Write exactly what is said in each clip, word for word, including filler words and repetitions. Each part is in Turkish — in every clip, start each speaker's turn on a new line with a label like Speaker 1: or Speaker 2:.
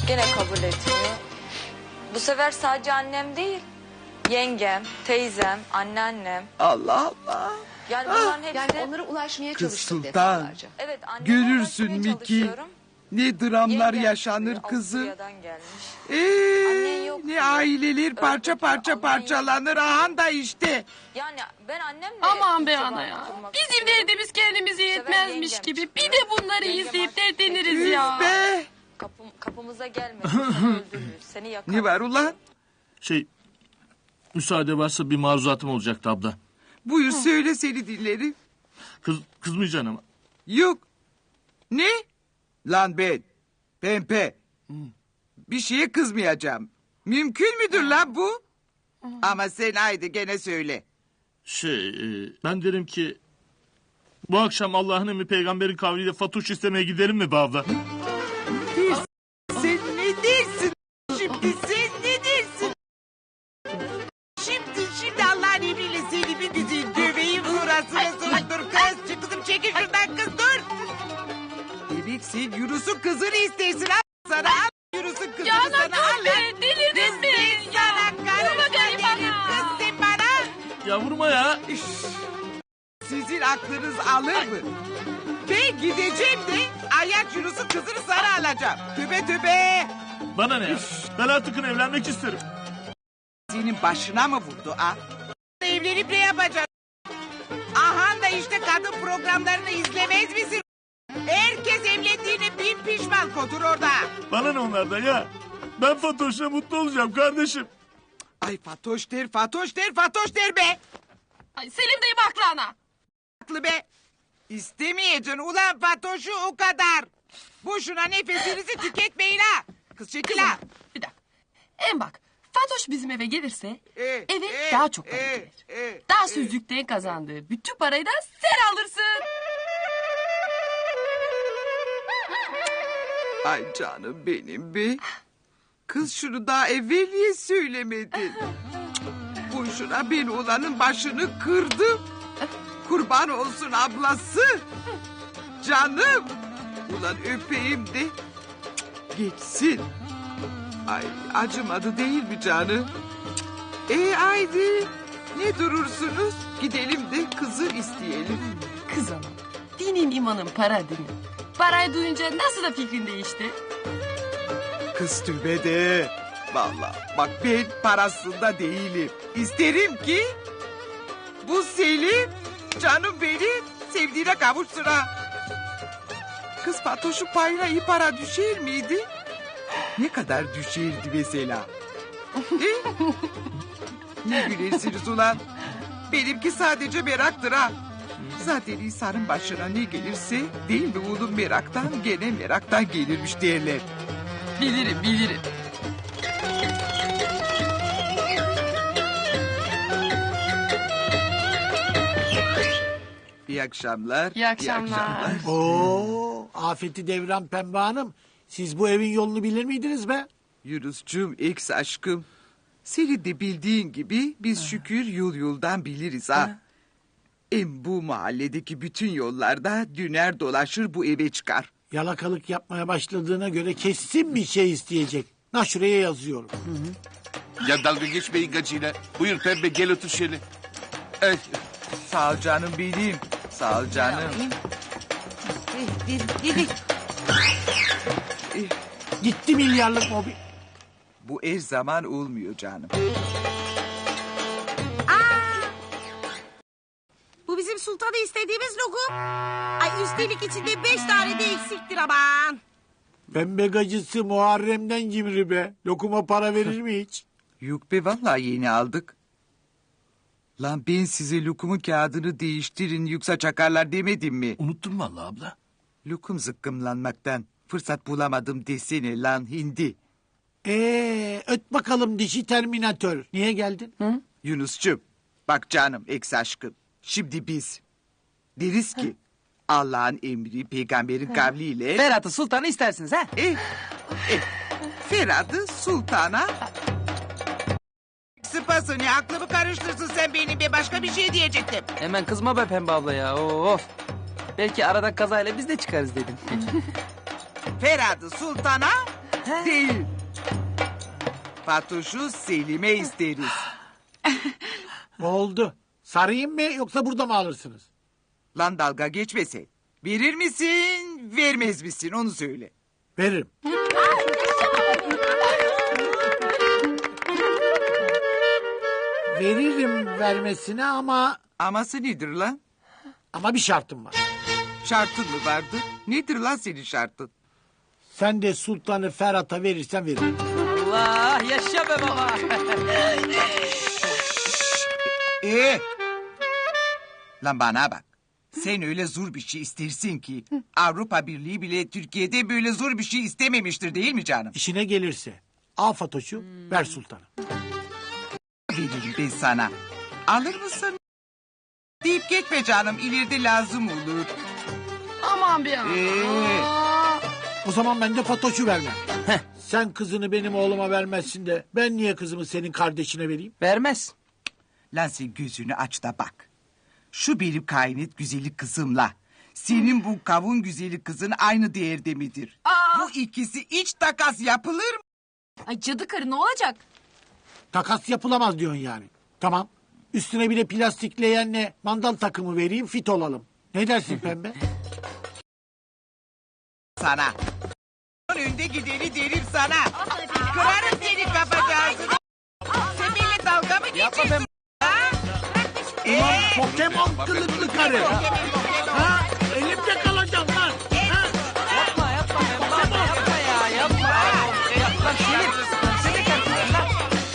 Speaker 1: Gene kabul etmiyor. Bu sefer sadece annem değil. Yengem, teyzem, anneannem.
Speaker 2: Allah Allah.
Speaker 1: Yani bunların hepsi...
Speaker 3: Yani onlara ulaşmaya
Speaker 2: Kız
Speaker 3: çalıştık
Speaker 2: Sultan.
Speaker 3: defalarca.
Speaker 1: Evet, anneme
Speaker 2: Görürsün
Speaker 1: ulaşmaya
Speaker 2: Miki.
Speaker 1: çalışıyorum.
Speaker 2: Ne dramlar
Speaker 1: Yengem
Speaker 2: yaşanır
Speaker 1: çıkıyor,
Speaker 2: kızı.
Speaker 1: Avusturya'dan gelmiş.
Speaker 2: Eee
Speaker 1: yok
Speaker 2: ne
Speaker 1: diyor.
Speaker 2: aileler parça
Speaker 1: Öyle
Speaker 2: parça
Speaker 1: diyor,
Speaker 2: parçalanır. Ahan da işte.
Speaker 1: Yani ben annemle...
Speaker 4: Aman be
Speaker 1: irtibat
Speaker 4: ana ya.
Speaker 1: kurmak
Speaker 4: Bizim
Speaker 1: istiyorum.
Speaker 4: derdimiz kendimize yetmezmiş
Speaker 1: yengem
Speaker 4: gibi.
Speaker 1: çıkıyor.
Speaker 4: Bir de bunları
Speaker 1: Yengem
Speaker 4: izleyip
Speaker 1: artık
Speaker 4: dertleniriz
Speaker 2: Üf
Speaker 4: ya.
Speaker 2: be.
Speaker 1: Kapım, kapımıza gelme. Seni öldürürüz. Seni yakarız.
Speaker 2: Ne var ulan?
Speaker 5: Şey, müsaade varsa bir maruzatım olacaktı abla.
Speaker 2: Buyur söyle seni dinlerim.
Speaker 5: Kız, kızmayacaksın ama.
Speaker 2: Yok. Ne? Lan ben. Pempe. Bir şeye kızmayacağım. Mümkün müdür lan bu? Ama sen haydi gene söyle.
Speaker 5: Şey, e, ben derim ki... Bu akşam Allah'ın emri peygamberin kavliyle Fatuş istemeye gidelim mi be abla?
Speaker 2: Sen ne dersin? Şimdi sen ne dersin? Şimdi şimdi Allah'ın emriyle seni bir güzel döveyim burasına sonra dur kız. Çık kızım çekil şuradan kız dur. Demek sen Yunus'un kızını istersin al sana al. Yunus'un kızını
Speaker 4: Ya
Speaker 2: sana al.
Speaker 4: dur be, delirdin
Speaker 2: Kız
Speaker 4: mi?
Speaker 2: ben sana karışma
Speaker 4: bakayım
Speaker 2: dedim
Speaker 4: bana.
Speaker 2: kız sen bana.
Speaker 5: Ya vurma ya.
Speaker 2: Üş, sizin aklınız alır mı? Ben gideceğim de ayak Yunus'un kızını sana alacağım. Tübe tübe.
Speaker 5: Bana ne ya? Ben artık evlenmek isterim.
Speaker 2: Senin başına mı vurdu ha? Evlenip ne yapacaksın? Ahan da işte kadın programlarını izlemez misin? Herkes evlendiğine bin pişman kotur orada.
Speaker 5: Bana ne onlardan ya? Ben Fatoş'la mutlu olacağım kardeşim.
Speaker 2: Ay Fatoş der, Fatoş der, Fatoş der be.
Speaker 4: Ay Selim dayım haklı ana.
Speaker 2: Haklı be. İstemeyeceksin ulan Fatoş'u o kadar. Boşuna nefesinizi tüketmeyin ha. Kız çekil ha.
Speaker 4: Bir dakika. En bak. Fatoş bizim eve gelirse
Speaker 2: Ee,
Speaker 4: eve
Speaker 2: ee,
Speaker 4: daha çok para
Speaker 2: ee,
Speaker 4: gelir.
Speaker 2: ee,
Speaker 4: Daha
Speaker 2: ee.
Speaker 4: sözlükten kazandığı bütün parayı da sen alırsın.
Speaker 2: Ay canım benim be. Kız şunu daha evvel niye söylemedin? Boşuna ben olanın başını kırdım. Kurban olsun ablası. Canım. Ulan öpeyim de geçsin. Ay acımadı değil mi canım? E haydi. Ne durursunuz? Gidelim de kızı isteyelim.
Speaker 4: Kız ana. Dinin imanın para değil mi? Parayı duyunca nasıl da fikrin değişti?
Speaker 2: Kız tübede. Vallahi bak ben parasında değilim. İsterim ki bu Selim canım beni sevdiğine kavuşsun ha. Kız Fatoş'un payına iyi para düşer miydi? Ne kadar düşerdi mesela? E? Ne gülersiniz ulan? Benimki sadece meraktır ha. Zaten insanın başına ne gelirse değil mi oğlum meraktan gene meraktan gelirmiş derler.
Speaker 4: Bilirim bilirim.
Speaker 2: İyi akşamlar.
Speaker 4: İyi akşamlar.
Speaker 6: Oo, afeti devran Pembe Hanım. Siz bu evin yolunu bilir miydiniz be?
Speaker 2: Yunus'cum ex aşkım. Senin de bildiğin gibi biz şükür yol yoldan biliriz ha. Em bu mahalledeki bütün yollarda düner dolaşır bu eve çıkar.
Speaker 6: Yalakalık yapmaya başladığına göre kesin bir şey isteyecek. Na şuraya yazıyorum.
Speaker 7: Ya dalga geçmeyin gacıyla. Buyur Pembe gel otur şöyle. Ay,
Speaker 2: Sağ ol canım benim. Sağ ol canım.
Speaker 6: Gitti milyarlık mobil.
Speaker 2: Bu her zaman olmuyor canım.
Speaker 8: Bu bizim sultanı istediğimiz lokum. Ay üstelik içinde beş tane de eksiktir aman.
Speaker 6: Pembe gacısı Muharrem'den cimri be. Lokuma para verir mi hiç?
Speaker 2: Yok be vallahi yeni aldık. Lan ben size lokumun kağıdını değiştirin yoksa çakarlar demedim mi?
Speaker 5: Unuttum vallahi abla.
Speaker 2: Lokum zıkkımlanmaktan fırsat bulamadım desene lan hindi.
Speaker 6: Ee, öt bakalım dişi terminatör. Niye geldin? Hı?
Speaker 2: Yunus'cum bak canım ex aşkım. Şimdi biz deriz ki Allah'ın emri peygamberin kavliyle...
Speaker 9: Ferhat'ı sultanı istersiniz ha?
Speaker 2: Eh, eh, Ferhat'ı sultana... Sıpasını aklımı karıştırsın sen benim be başka bir şey diyecektim.
Speaker 9: Hemen kızma be Pembe abla ya. Of. Belki arada kazayla biz de çıkarız dedim.
Speaker 2: Ferhat'ı sultana Değil. Fatoş'u Selim'e isteriz.
Speaker 6: Oldu. Sarayım mı yoksa burada mı alırsınız?
Speaker 2: Lan dalga geçmese. Verir misin, vermez misin onu söyle.
Speaker 6: Veririm. Veririm vermesine ama
Speaker 2: Aması nedir lan?
Speaker 6: ama bir şartım var.
Speaker 2: Şartın mı vardı? Nedir lan senin şartın?
Speaker 6: Sen de sultanı Ferhat'a verirsen veririm.
Speaker 9: Allah yaşa be baba.
Speaker 2: Ee? Lan bana bak. Sen öyle zor bir şey istersin ki Avrupa Birliği bile Türkiye'de böyle zor bir şey istememiştir değil mi canım?
Speaker 6: İşine gelirse al Fatoş'u ver sultanı.
Speaker 2: Veririm ben sana. Alır mısın? Deyip geçme canım ileride lazım olur.
Speaker 4: Aman bir an.
Speaker 2: Ee?
Speaker 6: O zaman ben de Fatoş'u vermem. Sen kızını benim oğluma vermezsin de ben niye kızımı senin kardeşine vereyim?
Speaker 9: Vermez.
Speaker 2: Lan sen gözünü aç da bak. Şu benim kainet güzeli kızımla senin bu kavun güzeli kızın aynı değerde midir? Bu ikisi iç takas yapılır mı?
Speaker 1: Ay cadı karı ne olacak?
Speaker 6: Takas yapılamaz diyorsun yani. Tamam. Üstüne bir de plastikleyenle mandal takımı vereyim fit olalım. Ne dersin pembe?
Speaker 2: Sana. Önde gideni derim sana. Kırarım seni kapacağızını. Sen benimle dalga mı geçiyorsun?
Speaker 6: Ulan Pokemon kılıklı karı. Ha? Elimde kalacağım lan. Ha?
Speaker 9: Yapma yapma Pembe abla yapma ya yapma. Yapma Selim. Sen de kendin lan.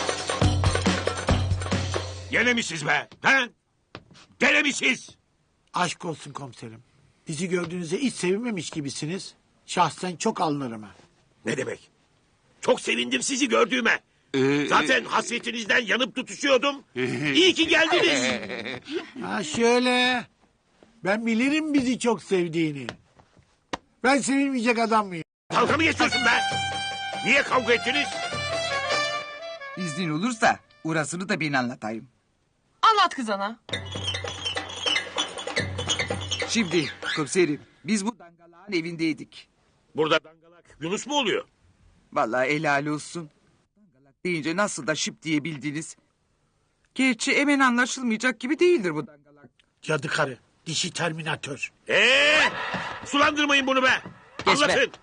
Speaker 3: Gene mi siz be? Ha? Gene mi siz?
Speaker 6: Aşk olsun komiserim. Bizi gördüğünüzde hiç sevinmemiş gibisiniz. Şahsen çok alınırım ha.
Speaker 3: Ne demek? Çok sevindim sizi gördüğüme. Zaten hasretinizden yanıp tutuşuyordum. İyi ki geldiniz.
Speaker 6: Ha şöyle. Ben bilirim bizi çok sevdiğini. Ben sevilmeyecek adam mıyım?
Speaker 3: Dalga mı geçiyorsun be? Niye kavga ettiniz?
Speaker 2: İznin olursa orasını da ben anlatayım.
Speaker 4: Anlat kız ana.
Speaker 2: Şimdi komiserim biz bu dangalağın evindeydik.
Speaker 3: Burada dangalak Yunus mu oluyor?
Speaker 2: Vallahi helal olsun. Dangalak deyince nasıl da şıp diyebildiniz. Gerçi hemen anlaşılmayacak gibi değildir bu dangalak.
Speaker 6: Cadı karı. Dişi terminatör.
Speaker 3: Ee, sulandırmayın bunu be.
Speaker 9: Geç be.
Speaker 3: Anlatın.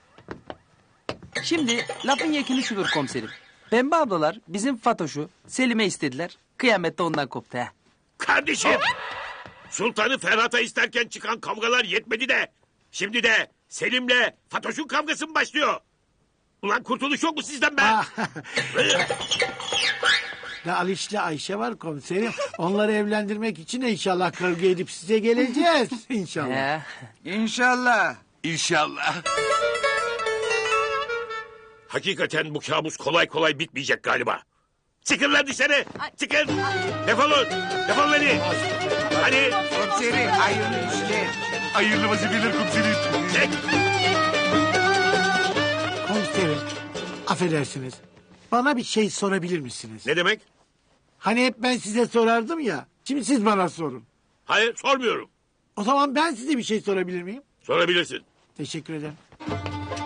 Speaker 9: Şimdi lafın yekini şudur komiserim. Pembe ablalar bizim Fatoş'u Selim'e istediler. Kıyamette ondan koptu ha.
Speaker 3: Kardeşim. Sultanı Ferhat'a isterken çıkan kavgalar yetmedi de. Şimdi de Selim'le Fatoş'un kavgası mı başlıyor? Ulan kurtuluş yok mu sizden be?
Speaker 6: Ne Aliş'le Ayşe var komiserim. Onları evlendirmek için de inşallah kavga edip size geleceğiz. İnşallah.
Speaker 9: Ya.
Speaker 2: İnşallah.
Speaker 7: İnşallah.
Speaker 3: Hakikaten bu kabus kolay kolay bitmeyecek galiba. Çıkın lan dışarı. Çıkın. Defolun. Defolun hadi. Hadi.
Speaker 2: Komiserim hayırlı işler.
Speaker 7: Hayırlı vazifeler komiserim.
Speaker 3: Çek.
Speaker 6: Komiserim, affedersiniz. Bana bir şey sorabilir misiniz?
Speaker 3: Ne demek?
Speaker 6: Hani hep ben size sorardım ya. Şimdi siz bana sorun.
Speaker 3: Hayır sormuyorum.
Speaker 6: O zaman ben size bir şey sorabilir miyim?
Speaker 3: Sorabilirsin.
Speaker 6: Teşekkür ederim.